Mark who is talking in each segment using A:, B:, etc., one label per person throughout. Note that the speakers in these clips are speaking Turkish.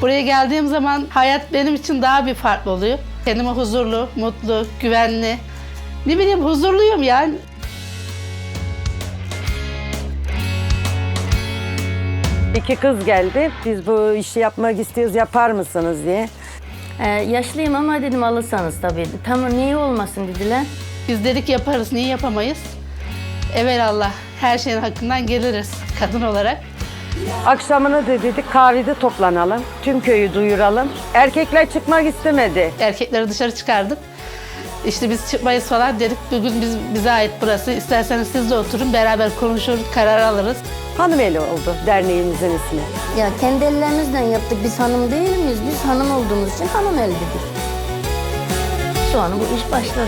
A: Buraya geldiğim zaman hayat benim için daha bir farklı oluyor. Kendime huzurlu, mutlu, güvenli. Ne bileyim huzurluyum yani.
B: İki kız geldi. Biz bu işi yapmak istiyoruz, yapar mısınız diye.
C: Yaşlıyım ama dedim alırsanız tabii. Tamam niye olmasın dediler.
A: Biz dedik yaparız, niye yapamayız? Evelallah her şeyin hakkından geliriz kadın olarak.
B: Akşamını da dedik kahvede toplanalım. Tüm köyü duyuralım. Erkekler çıkmak istemedi.
A: Erkekleri dışarı çıkardık. İşte biz çıkmayız falan dedik. Bugün bize ait burası. İsterseniz siz de oturun, beraber konuşur, karar alırız.
B: Hanımeli oldu derneğimizin ismi.
C: Ya kendi ellerimizle yaptık. Biz hanım değil miyiz? Biz hanım olduğumuz için hanım el dedik. Sonra bu iş başladı.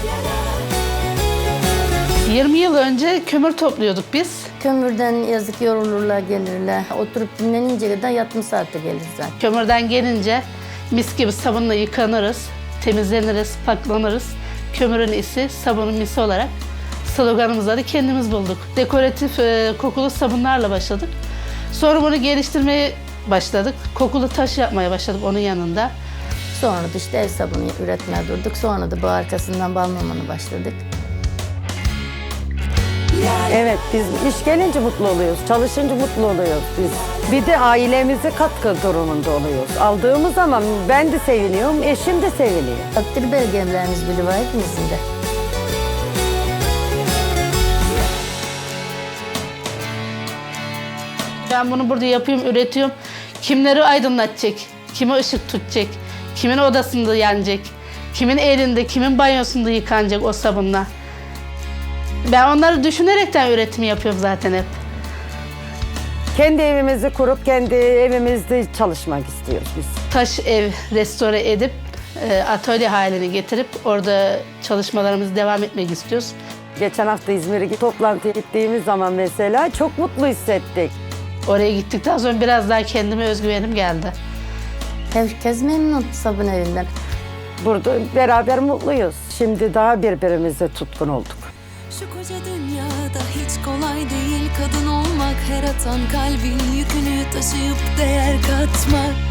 A: 20 yıl önce kömür topluyorduk biz.
C: Kömürden yazık yorulurlar gelirler. Oturup dinlenince kadar yatma saati gelir zaten.
A: Kömürden gelince mis gibi sabunla yıkanırız, temizleniriz, paklanırız. Kömürün isi, sabunun misi olarak sloganımızı da kendimiz bulduk. Dekoratif kokulu sabunlarla başladık. Sonra bunu geliştirmeye başladık. Kokulu taş yapmaya başladık onun yanında.
C: Sonra da işte el sabunu üretmeye durduk. Sonra da bu arkasından bal mumununa başladık.
B: Evet, biz iş gelince mutlu oluyoruz, çalışınca mutlu oluyoruz biz. Bir de ailemize katkı durumunda oluyoruz. Aldığımız zaman ben de seviniyorum, eşim de seviniyor.
C: Takdir belgelerimiz bile var hepimizin de.
A: Ben bunu burada yapıyorum, üretiyorum. Kimleri aydınlatacak, kime ışık tutacak, kimin odasında yanacak, kimin elinde, kimin banyosunda yıkanacak o sabunla. Ben onları düşünerekten üretimi yapıyorum zaten hep.
B: Kendi evimizi kurup kendi evimizde çalışmak istiyoruz biz.
A: Taş ev restore edip atölye haline getirip orada çalışmalarımızı devam etmek istiyoruz.
B: Geçen hafta İzmir'e toplantıya gittiğimiz zaman mesela çok mutlu hissettik.
A: Oraya gittikten sonra biraz daha kendime özgüvenim geldi.
C: Herkes memnun sabun evinden.
B: Burada beraber mutluyuz. Şimdi daha birbirimize tutkun olduk.
D: Şu koca dünyada hiç kolay değil kadın olmak, her atan kalbin yükünü taşıyıp değer katmak.